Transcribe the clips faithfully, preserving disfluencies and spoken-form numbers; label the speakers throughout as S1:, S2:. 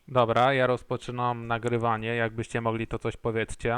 S1: Dobra, ja rozpoczynam nagrywanie. Jakbyście mogli, to coś powiedzcie.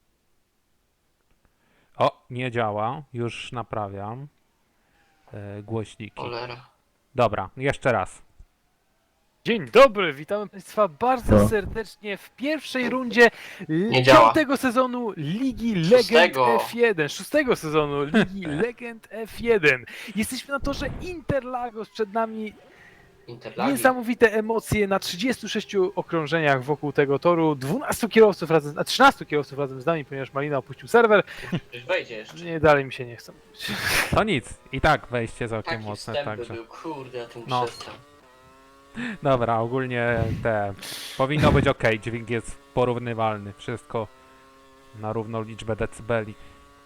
S1: O, nie działa. Już naprawiam e, głośniki.
S2: Cholera.
S1: Dobra, jeszcze raz.
S3: Dzień dobry, witamy Państwa bardzo
S4: No.
S3: serdecznie w pierwszej rundzie
S2: Nie działa.
S3: piątego sezonu Ligi Legend
S2: Szóstego.
S3: F jeden, szóstego sezonu Ligi Legend F jeden. Jesteśmy na torze Interlagos, przed nami
S2: Interlagi.
S3: niesamowite emocje na trzydziestu sześciu okrążeniach wokół tego toru, dwunastu kierowców razem, a trzynastu kierowców razem z nami, ponieważ Malina opuścił serwer.
S2: Przecież wejdzie jeszcze.
S3: Nie, dalej mi się nie chce.
S1: To nic. I tak wejście całkiem
S2: Taki
S1: mocne,
S2: wstęp by
S1: także.
S2: był, kurde, ja tym
S1: No.
S2: przestał.
S1: Dobra, ogólnie te. Powinno być ok, dźwięk jest porównywalny. Wszystko na równą liczbę decybeli.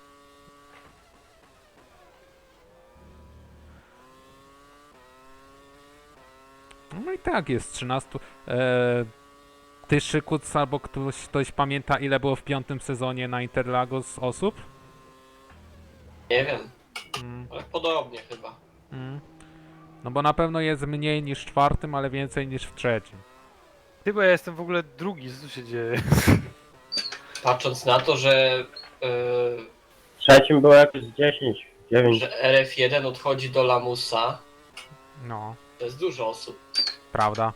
S1: No i tak, jest trzynaście. E, ty, Szykuc, albo ktoś, ktoś pamięta, ile było w piątym sezonie na Interlagos osób?
S2: Nie wiem,
S1: Mm,
S2: ale podobnie chyba.
S1: mm. No bo na pewno jest mniej niż w czwartym, ale więcej niż w trzecim.
S3: Chyba ja jestem w ogóle drugi, co tu się dzieje?
S2: Patrząc na to, że, yy,
S4: W trzecim było jakieś dziesięć, dziewięć.
S2: że R F jeden odchodzi do Lamusa,
S1: No,
S2: to jest dużo osób.
S1: prawda.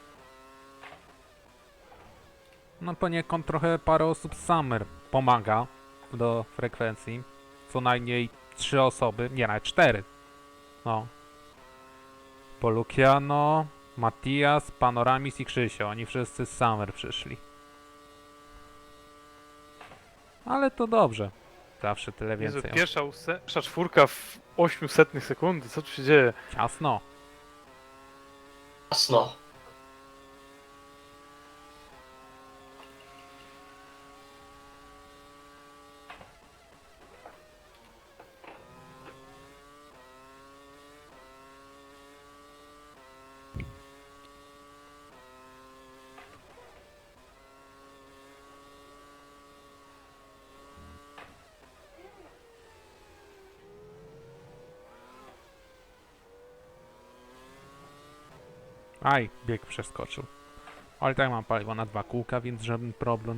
S1: No poniekąd trochę parę osób z Summer pomaga do frekwencji. Co najmniej trzy osoby, nie, nawet cztery. No. Polukiano, Matias, Panoramis i Krzysio. Oni wszyscy z Summer przyszli. Ale to dobrze. Zawsze tyle
S3: Jezu,
S1: więcej.
S3: pierwsza, óse- pierwsza czwórka w ośmiusetnych sekundy, co tu się dzieje?
S1: Ciasno.
S2: Jasno.
S1: Aj, bieg przeskoczył. Ale tak mam paliwo na dwa kółka, więc żaden problem.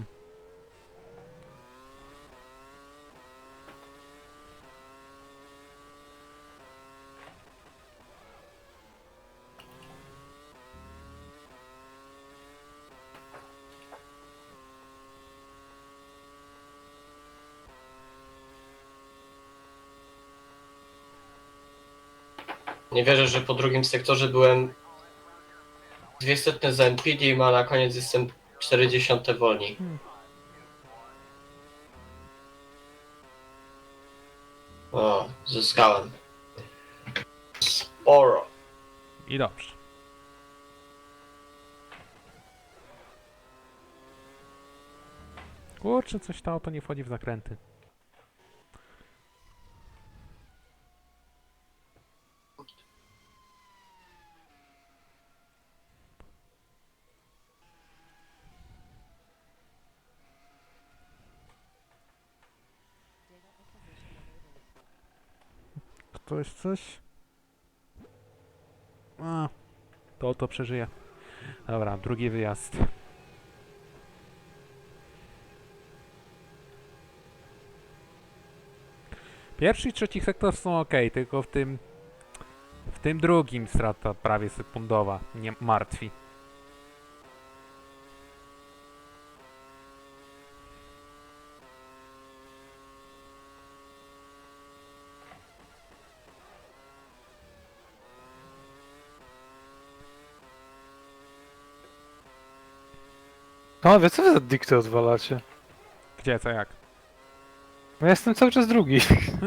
S2: Nie wierzę, że po drugim sektorze byłem dwie setne za M P D, a na koniec jestem czterdzieści wolniej. O, zyskałem. Sporo.
S1: I dobrze. Kurczę, coś to auto nie wchodzi w zakręty. Ktoś coś? A, to to przeżyje. Dobra, drugi wyjazd. Pierwszy i trzeci sektor są ok, tylko w tym w tym drugim strata prawie sekundowa nie martwi.
S3: Panowie, co wy za dykty odwalacie?
S1: Gdzie, co, jak?
S3: No ja jestem cały czas drugi.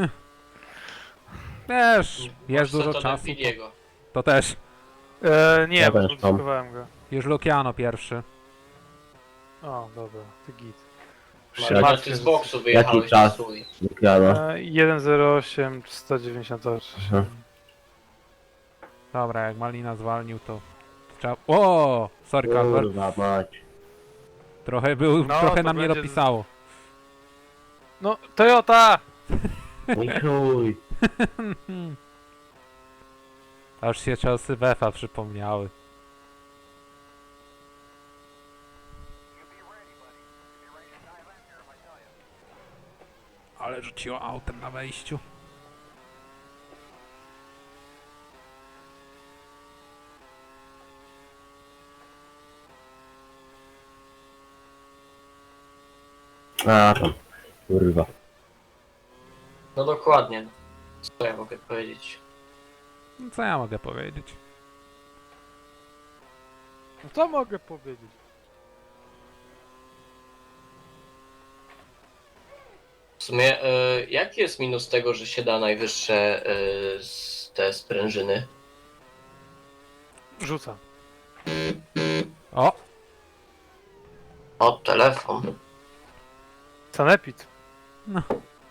S1: Też, jest
S2: Masz
S1: dużo
S2: set od
S1: czasu, to,
S2: Nvidiego.
S1: to też.
S3: E, nie,
S4: Ja
S3: bo
S4: też mam.
S3: modyfikowałem go.
S1: Już Luciano pierwszy.
S3: O, dobra, ty git. Już
S2: Masz,
S3: się
S2: że
S3: martwię,
S2: ty z
S3: że-
S2: boksu wyjechałeś
S4: czas?
S2: na swój.
S4: Lukiano.
S3: E, jeden zero osiem sto dziewięćdziesiąt osiem.
S4: Mhm.
S1: Dobra, jak Malina zwalnił, to trzeba... O, sorry, Carver.
S4: Kurwa mać.
S1: Trochę był,
S3: No,
S1: trochę
S3: to
S1: nam nie
S3: będzie-
S1: dopisało.
S3: No, Toyota!
S4: Mój chuj.
S1: Aż się czasy Wefa przypomniały. ale rzuciło autem na wejściu.
S4: A tam, kurwa.
S2: No dokładnie. Co ja mogę powiedzieć?
S1: No co ja mogę powiedzieć?
S3: No co mogę powiedzieć?
S2: W sumie, e, jaki jest minus tego, że się da najwyższe e, z te sprężyny?
S3: Rzucam.
S1: O!
S2: O, telefon.
S3: Sanepid.
S1: No.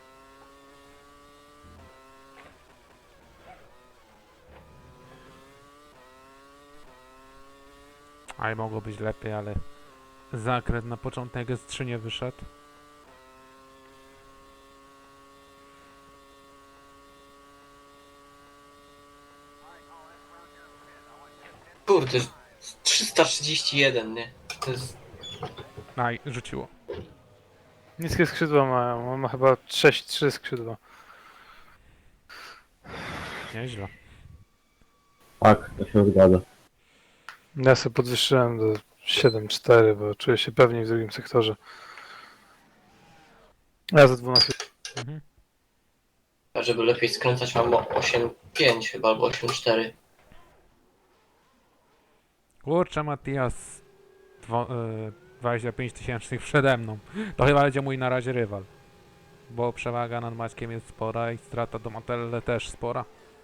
S1: Aj, mogło być lepiej, ale zakręt na początek S trzy nie wyszedł.
S2: Kurde, trzysta trzydzieści jeden, nie? To jest...
S1: Aj, rzuciło.
S3: Niskie skrzydła mają. On ma chyba sześć trzy skrzydła.
S1: Nieźle.
S4: Tak, to się zgadza.
S3: Ja sobie podwyższyłem do siedem cztery, bo czuję się pewniej w drugim sektorze. Ja za dwanaście.
S1: Mhm.
S2: A żeby lepiej skręcać mam osiem pięć chyba, albo osiem cztery.
S1: Kurczę, Matias. Dwo, y, dwadzieścia pięć tysięcznych przede mną. To chyba będzie mój na razie rywal. Bo przewaga nad Maćkiem jest spora i strata do Matelle też spora.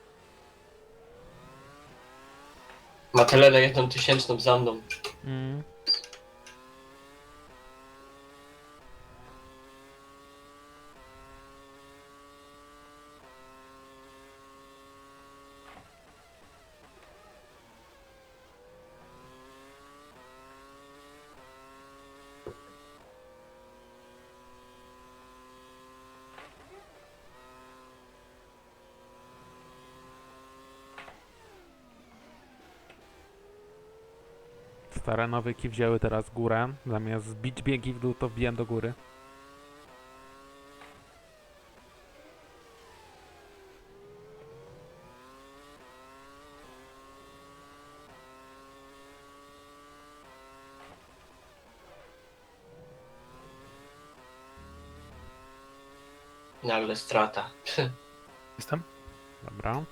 S2: Matelele jedną tysięczną za mną.
S1: Mm. Stare nawyki wzięły teraz górę. Zamiast bić biegi w dół, to wbiłem do góry.
S2: I nagle strata.
S3: Jestem?
S1: Dobra.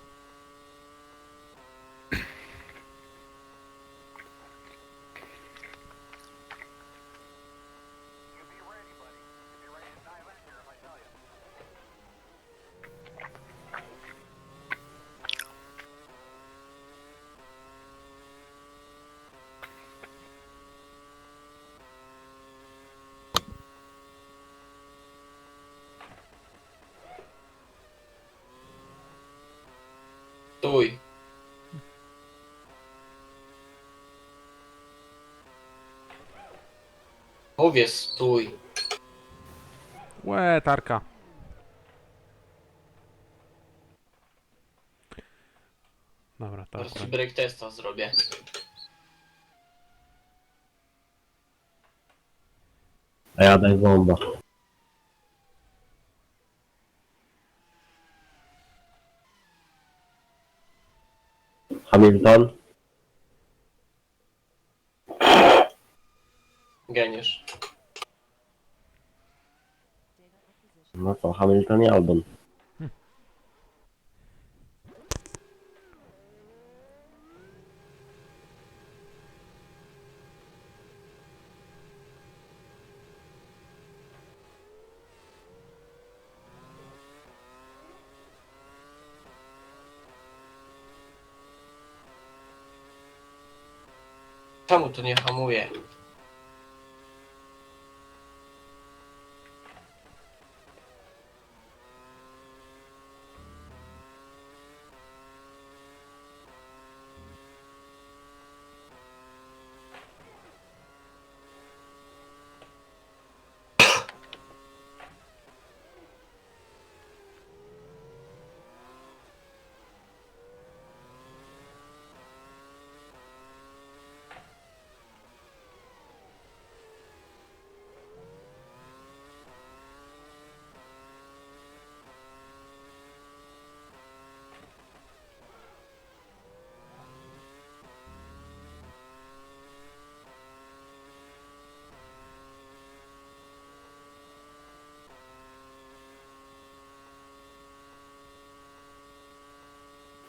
S2: Stój. Mówię stój.
S1: Łe, tarka. Dobra, to
S2: Teraz ci
S1: akurat.
S2: break testa zrobię.
S4: A ja daj bomba. Hamilton?
S2: Geniusz.
S4: No co, Hamilton i Albon.
S2: Czemu to nie hamuje?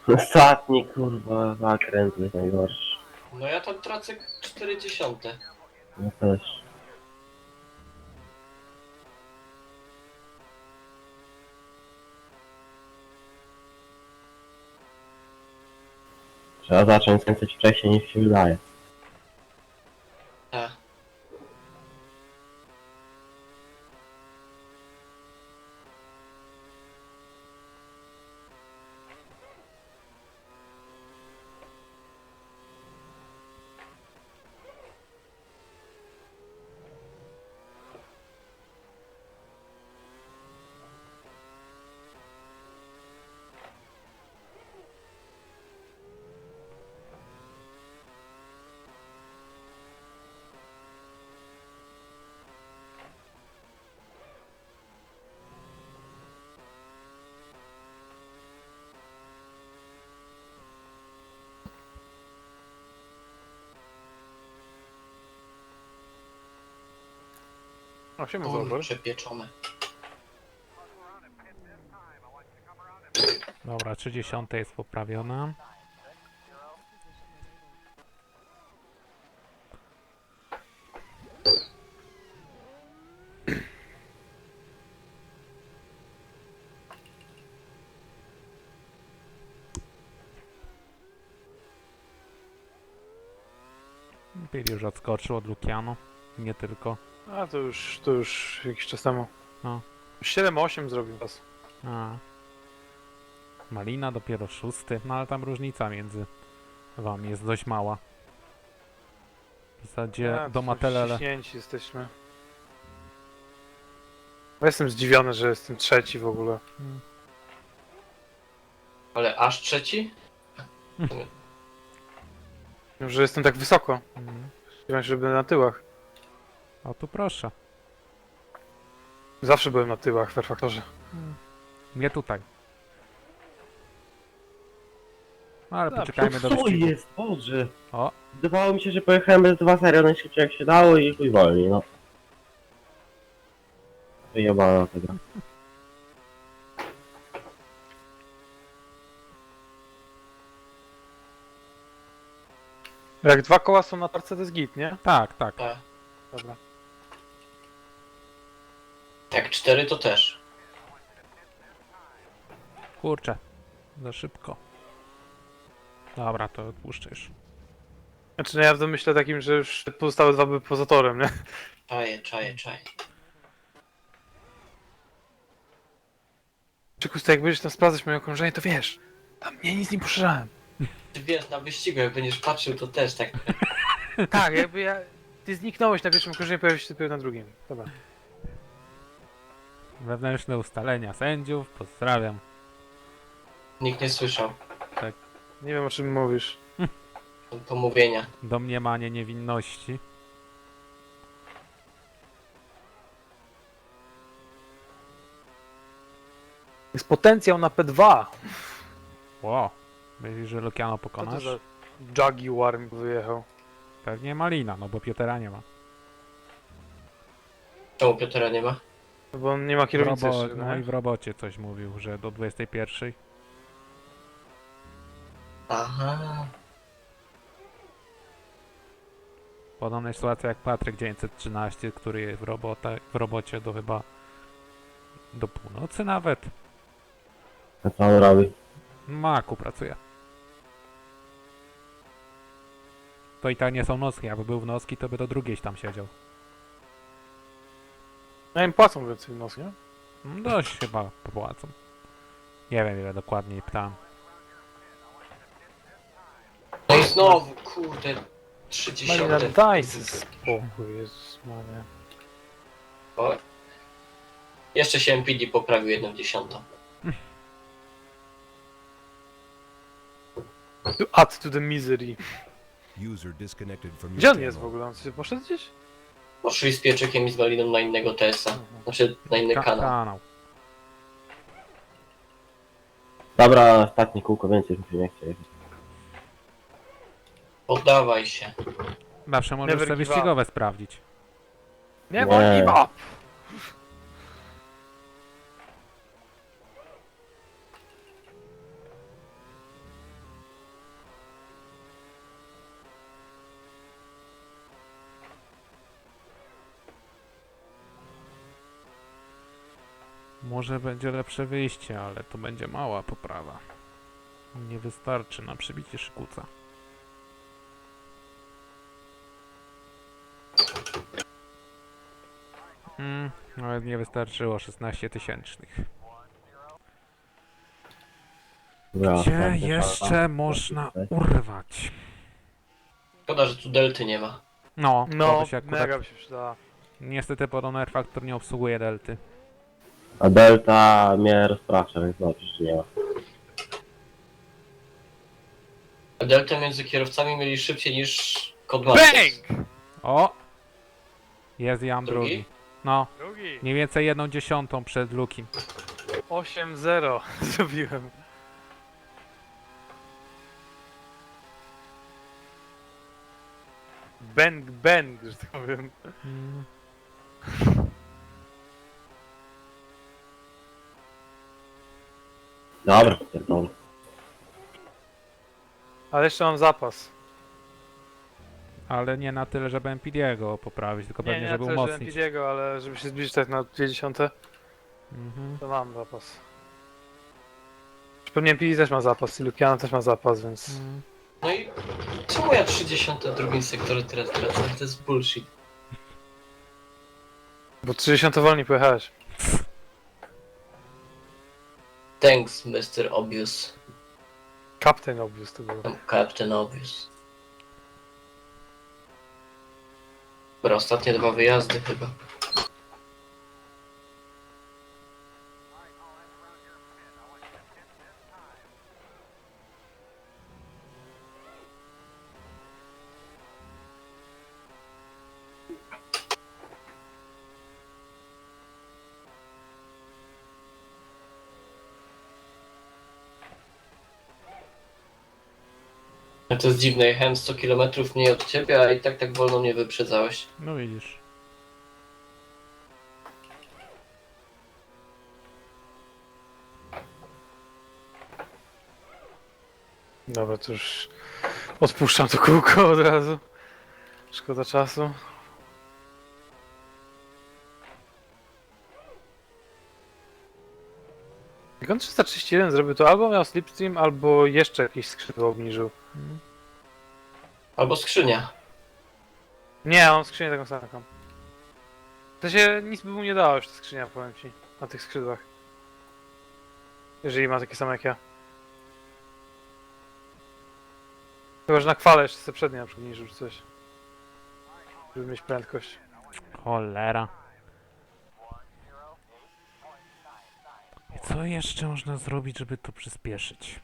S4: Ostatni kurwa zakręt jest najgorszy.
S2: No ja tam tracę czterdzieści.
S4: No też. Trzeba zacząć skręcać wcześniej niż się wydaje.
S2: Tak.
S3: osiem zobacz.
S2: Kurcze pieczone.
S1: Dobra, trzydzieści jest poprawiona. Bill już odskoczył od Luciano. Nie tylko.
S3: A to już, to już jakiś czas temu.
S1: No.
S3: siedem osiem zrobił was.
S1: A. Malina dopiero szósty, no ale tam różnica między wami jest dość mała. W zasadzie
S3: A,
S1: do
S3: to
S1: Matelele.
S3: ściśnięci jesteśmy. Ja jestem zdziwiony, że jestem trzeci w ogóle.
S1: Hmm.
S2: Ale aż trzeci?
S3: Że jestem tak wysoko.
S1: Mm.
S3: Spodziewałem się, że będę na tyłach.
S1: O tu proszę.
S3: Zawsze byłem na tyłach w Perfaktorze.
S1: Nie tutaj. No ale
S3: Dobrze.
S1: poczekajmy do
S4: Co
S1: wyścigu.
S4: jest? Boże.
S1: O,
S4: Wydawało mi się, że pojechałem bez dwa serio najszybciej jak się dało i chuj wolniej, no. Wyjebana ta gra.
S3: Jak dwa koła są na tarce, to jest git, nie?
S1: tak, tak.
S2: Tak.
S3: Dobra.
S2: Jak cztery to też.
S1: Kurczę. Za szybko. Dobra, to odpuszczę już.
S3: Znaczy, no ja w domyśle takim, że już pozostałe dwa były poza torem, nie?
S2: Czaję, czaję, czaję.
S3: Czy Kusta, jak będziesz tam sprawdzać moje okrążenie, to wiesz, tam mnie nic nie poszerzałem.
S2: Ty wiesz, na wyścigu jak będziesz patrzył to też tak.
S3: Tak, jakby ja... Ty zniknąłeś na pierwszym okrążeniu, pojawiłeś się dopiero na drugim. Dobra.
S1: Wewnętrzne ustalenia sędziów. Pozdrawiam.
S2: Nikt nie słyszał
S3: Nie wiem, o czym mówisz.
S2: pomówienia.
S1: Domniemanie niewinności.
S3: Jest potencjał na P dwa.
S1: Ło. Myślisz, że Luciano
S3: Co to
S1: pokonasz?
S3: za Jaguar mi wyjechał?
S1: Pewnie Malina, no bo Piotera nie ma.
S2: Czemu Piotra nie ma?
S3: No bo on nie ma
S1: W
S3: kierownicy
S1: robo-
S3: jeszcze,
S1: no i
S3: nie?
S1: w robocie coś mówił, że do dwudziestej pierwszej.
S2: Aha.
S1: Podobna sytuacja jak Patryk dziewięćset trzynaście, który jest w, robota, w robocie do chyba do północy nawet.
S4: A co on robi?
S1: W Maku pracuje. To i tak nie są nocki, jakby był w nocki, to by do drugiej tam siedział.
S3: No im płacą więcej w nos, nie?
S1: No dość chyba popłacą. Nie wiem ile dokładnie pytałem.
S2: No i znowu, kurde,
S3: Malina,
S2: trzydziesiąte.
S3: daj sobie spokój, Jezus Maria.
S2: O. Jeszcze się M P D poprawił jedną dziesiątą.
S3: To add to the misery.
S5: User disconnected from your
S3: Gdzie on jest w
S5: channel.
S3: ogóle? On sobie poszedł gdzieś?
S2: Poszli z pieczykiem i z Maliną na innego T S a. Znaczy na inny
S1: Ka-
S2: kanał.
S1: kanał.
S4: Dobra, ostatnie kółko, więcej mi się nie chce jechać.
S2: Poddawaj się.
S1: Zawsze możesz
S3: Never
S1: te
S3: give
S1: wyścigowe sprawdzić.
S3: Nie,
S4: Nie.
S3: bo give up!
S1: Może będzie lepsze wyjście, ale to będzie mała poprawa. Nie wystarczy na przybicie szykuca. Mm, nawet nie wystarczyło szesnaście tysięcznych.
S4: Dobra,
S1: Gdzie
S4: tak,
S1: jeszcze
S4: tak.
S1: można urwać?
S2: Szkoda, że tu delty nie ma.
S1: No, to
S3: No,
S1: by się akurat...
S3: mega by się przydała.
S1: Niestety Poroner Factor nie obsługuje delty.
S4: A Delta mnie rozprasza, więc dobrze, że nie ma.
S2: Deltę między kierowcami mieli szybciej niż Codemasters.
S3: Bang!
S1: O! Jest Jan
S2: Drugi?
S1: drugi. No,
S3: Drugi.
S1: mniej więcej jedną dziesiątą przed Lukim.
S3: osiem zero zrobiłem. Bang, bang, że tak powiem.
S1: Mm.
S4: Dobra, pierdolę.
S3: Ale jeszcze mam zapas.
S1: Ale nie na tyle, żeby M P D'ego poprawić, tylko
S3: Nie,
S1: pewnie,
S3: nie,
S1: żeby
S3: żeby
S1: umocnić.
S3: Nvidiego, ale żeby się zbliżyć tak na dwie dziesiąte,
S1: Mhm.
S3: to mam zapas. Pewnie Nvidia też ma zapas i Lukiana też ma zapas, więc...
S1: Mm.
S2: No i czemu ja trzydzieści w drugim sektorze teraz tracę? To jest bullshit.
S3: Bo trzydzieści wolniej pojechałeś.
S2: Thanks, mister Obvious.
S3: Captain Obvious to było.
S2: Captain Obvious. Dobra, ostatnie dwa wyjazdy chyba. To jest dziwne, jechałem sto kilometrów mniej od ciebie, a i tak tak wolno mnie wyprzedzałeś.
S1: No widzisz.
S3: Dobra, to już odpuszczam to kółko od razu. Szkoda czasu. Jak on trzysta trzydzieści jeden zrobił, to albo miał slipstream, albo jeszcze jakieś skrzydło obniżył.
S1: Mm.
S2: Albo skrzynia.
S3: Nie, on skrzynię taką samą. To się nic by mu nie dało już ta skrzynia, powiem ci, na tych skrzydłach. Jeżeli ma takie same jak ja. Chyba, że na kwale jeszcze sobie przednie na przykład niżył czy coś. Żeby mieć prędkość.
S1: Cholera. I co jeszcze można zrobić, żeby to przyspieszyć?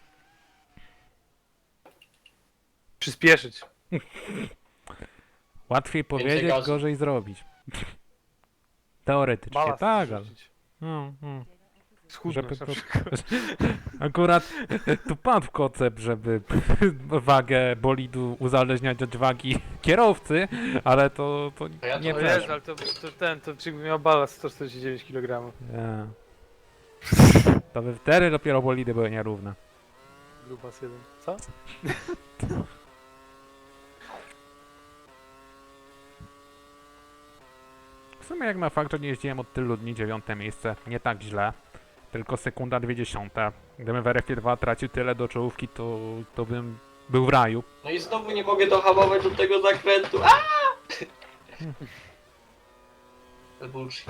S3: Przyspieszyć.
S1: Łatwiej powiedzieć,
S2: gazu.
S1: gorzej zrobić. Teoretycznie
S3: Balast
S1: tak, ale...
S3: zrzucić.
S1: No, no.
S3: Schudnąć
S1: Żeby
S3: na
S1: po-
S3: przykład.
S1: Akurat tu padł koncept, żeby wagę bolidu uzależniać od wagi kierowcy, ale to, to
S2: A ja to
S1: nie
S2: wiem.
S3: O Jezu,
S1: weszło.
S3: ale to, to ten, to czy miał balast sto czterdzieści dziewięć kilogramów.
S1: Nie. To by wtedy dopiero bolidy były nierówne.
S3: Grubas jeden. Co?
S1: W sumie jak na fakt, że nie jeździłem od tylu dni, dziewiąte miejsce, nie tak źle. Tylko sekunda dwie dziesiąte. Gdybym w R F dwa tracił tyle do czołówki, to, to bym był w raju.
S2: No i znowu nie mogę dohamować do tego zakrętu. Aaaa! To bullshit.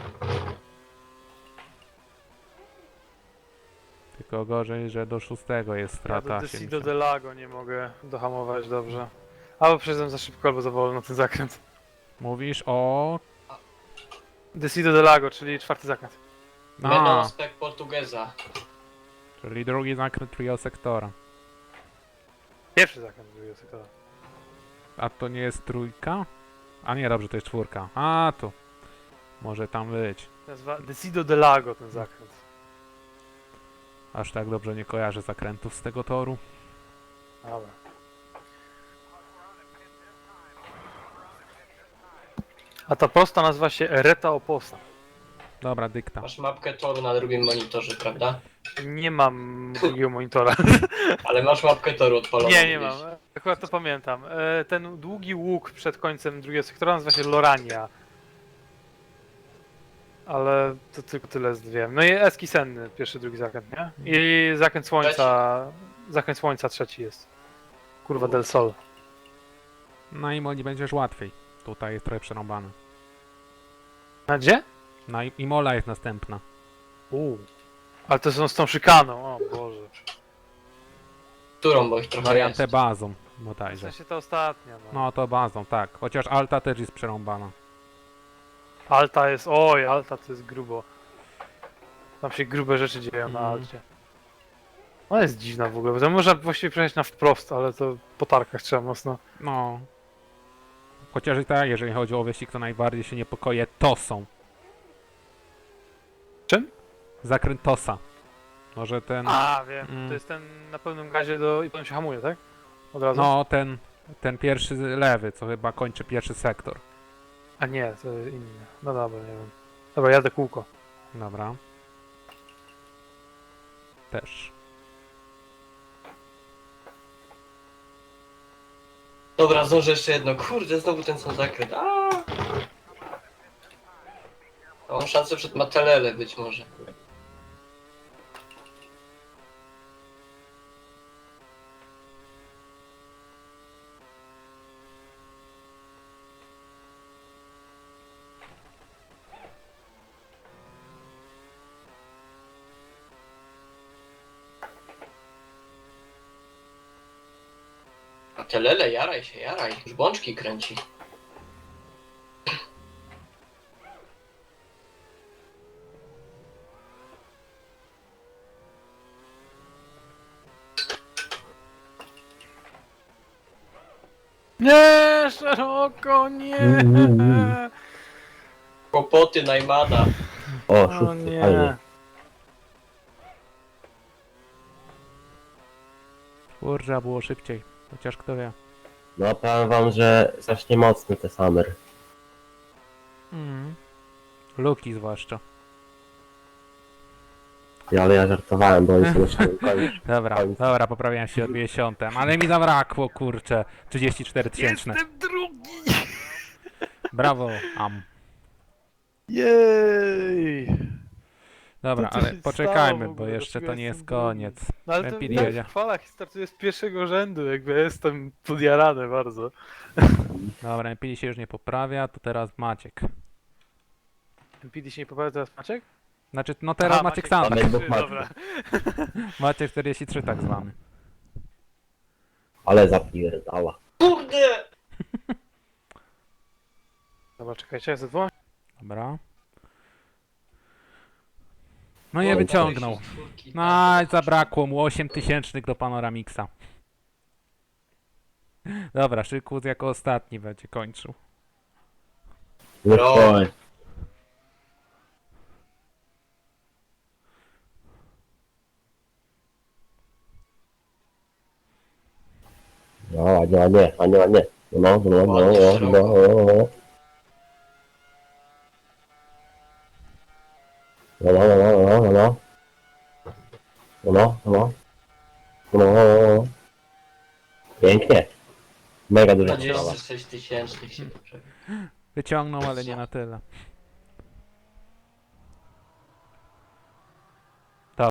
S1: Tylko gorzej, że do szóstego jest
S3: Ja
S1: strata
S3: do Decido
S1: siedemdziesiąt.
S3: de Lago nie mogę dohamować dobrze. Albo przyjeżdżam za szybko, albo za wolno ten zakręt.
S1: Mówisz o...
S3: Decido de Lago, czyli czwarty zakręt.
S1: A,
S2: Menon spec Portugeza.
S1: czyli drugi zakręt trio sektora.
S3: Pierwszy zakręt drugiego sektora.
S1: A to nie jest trójka? A nie, dobrze, to jest czwórka. A, tu. Może tam być.
S3: Nazywa Decido de Lago ten zakręt.
S1: Aż tak dobrze nie kojarzę zakrętów z tego toru.
S3: Dobra. A ta posta nazywa się Reta Oposta.
S1: Dobra, dykta.
S2: Masz mapkę toru na drugim monitorze, prawda?
S3: Nie mam drugiego monitora.
S2: Ale masz mapkę toru odpaloną.
S3: Nie, nie
S2: gdzieś.
S3: mam. Akurat to pamiętam. E, Ten długi łuk przed końcem drugiego sektora nazywa się Lorania. Ale to tylko tyle wiem. No i Eski Senny, pierwszy, drugi zakręt, nie? I zakręt słońca, zakręt słońca trzeci jest. Kurwa del Sol.
S1: Na Imoli będziesz łatwiej. Tutaj jest trochę przerąbane.
S3: A gdzie?
S1: Na I- Imola jest następna.
S3: Uuu. Ale to są z tą szykaną, o Boże.
S2: Którą, bo ich trochę
S1: Wariantę
S2: jest.
S1: bazą,
S3: W
S1: bodajże.
S3: sensie to ostatnia, no.
S1: No to bazą, tak. Chociaż Alta też jest przerąbana.
S3: Alta jest, oj, Alta to jest grubo. Tam się grube rzeczy dzieją na
S1: Mhm.
S3: Alcie. Ona jest dziwna w ogóle, bo to można właściwie przejść na wprost, ale to po tarkach trzeba mocno.
S1: No. Chociaż i tak, jeżeli chodzi o wyścig, to najbardziej się niepokoję Tosą.
S3: Czym?
S1: Zakręt Tosa. Może ten...
S3: A, wiem,
S1: Mm.
S3: to jest ten na pełnym gazie do... i potem się hamuje, tak? Od razu?
S1: No, ten, ten pierwszy lewy, co chyba kończy pierwszy sektor.
S3: A nie, to inny. No dobra, nie wiem. Dobra, jadę kółko.
S1: Dobra. Też.
S2: Dobra, zdążę jeszcze jedno. Kurde, znowu ten sam zakręt. A! Mam szansę przed Matelele być może. Matelele, jaraj się, jaraj. Już bączki kręci.
S3: Nie, szeroko, nie!
S4: Mm.
S2: Kłopoty Najmana.
S4: O,
S3: O
S4: szósty,
S3: nie.
S4: fajnie.
S1: Kurczę, było szybciej. Chociaż kto wie.
S4: No powiem wam, że strasznie mocny te Summer.
S1: Mhm. Luki zwłaszcza.
S4: Ja, ale ja żartowałem, bo oni są na samym końcu.
S1: Dobra,
S4: Końcu.
S1: dobra, poprawiam się o dwie dziesiąte. Ale mi zabrakło, kurczę. trzydzieści cztery tysięczne.
S3: Jestem drugi!
S1: Brawo, am.
S3: Jej!
S1: Dobra,
S3: To co
S1: ale
S3: się
S1: poczekajmy,
S3: stało w
S1: bo
S3: ogóle?
S1: jeszcze
S3: Dlaczego
S1: to nie jest
S3: jestem drugi?
S1: koniec.
S3: No ale to
S1: Lepiej
S3: tak
S1: jedzie.
S3: w chwalach startuję z pierwszego rzędu, jakby jestem podjarany bardzo.
S1: Dobra, M P D się już nie poprawia, to teraz Maciek.
S3: M P D się nie poprawia teraz Maciek?
S1: Znaczy, no teraz
S3: Aha,
S1: Maciek
S3: Maciek
S1: sam.
S4: Maciek.
S1: Tak.
S3: Trzy,
S4: Maciek.
S3: dobra.
S1: Maciek czterdzieści trzy tak zwany.
S4: Ale zapierdala.
S2: Kurde!
S3: Dobra, czekajcie, ja zadzwonię.
S1: Dobra. No nie wyciągnął.
S2: czterdzieści cztery.
S1: No, i zabrakło mu osiem tysięcznych do Panoramixa. Dobra, Szykus jako ostatni będzie kończył.
S4: No
S2: Bro.
S4: oj. No ładnie, ładnie, ładnie, ładnie. No, no, no, no, no, no, no, no. No, no, no, no, no, no. No, no, no. No, no, no, no. Pięknie. Mega duża sprawa.
S2: dwadzieścia sześć tysięcznych się poprawi.
S1: Wyciągnął, ale nie na tyle.